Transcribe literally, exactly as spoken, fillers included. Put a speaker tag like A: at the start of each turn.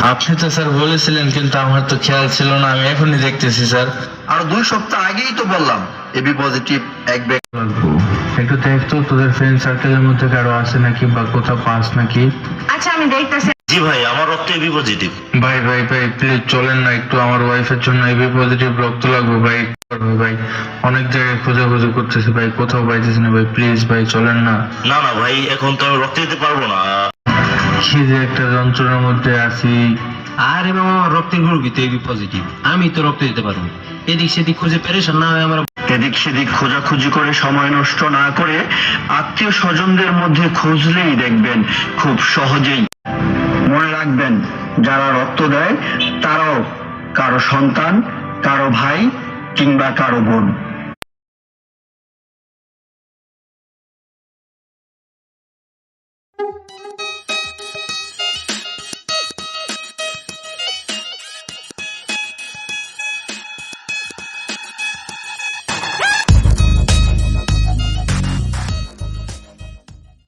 A: আপনি তো স্যার বলেছিলেন, কিন্তু আমার তো খেয়াল ছিল না, আমি এখনই দেখতেছি স্যার।
B: আর দুই সপ্তাহ আগেই তো বললাম এবি পজিটিভ এক ব্যাগ।
A: একটু দেখতো তোদের ফ্রেন্ড সার্কেলের মধ্যে কারো আছে নাকি, বা কোথাও পাস নাকি।
C: আচ্ছা আমি দেখতেছি।
D: জি ভাই, আমার রক্ত এবি পজিটিভ।
A: ভাই ভাই ভাই প্লিজ চলেন না, একটু আমার ওয়াইফের জন্য এবি পজিটিভ রক্ত লাগবে ভাই। করবে ভাই, অনেক জায়গায় খোঁজাখুঁজি করতেছি ভাই, কোথাও পাইতেছি না ভাই, প্লিজ ভাই চলেন না।
D: না না ভাই, এখন তো আমি রক্ত দিতে পারবো না।
A: কি যে একটা যন্ত্রণার মধ্যে আছি।
E: আরে মামা, আমার রক্তের গ্রুপই তো এবি পজিটিভ, আমি তো রক্ত দিতে পারবো। এদিক সেদিক খুঁজে পেরেশান না হয় আমার।
B: এদিক সেদিক খোঁজাখুঁজি করে সময় নষ্ট না করে আত্মীয় স্বজনদের মধ্যে খুঁজলেই দেখবেন খুব সহজেই। মনে রাখবেন, যারা রক্ত দেয় তারাও কারো সন্তান, কারো ভাই কিংবা কারো বোন।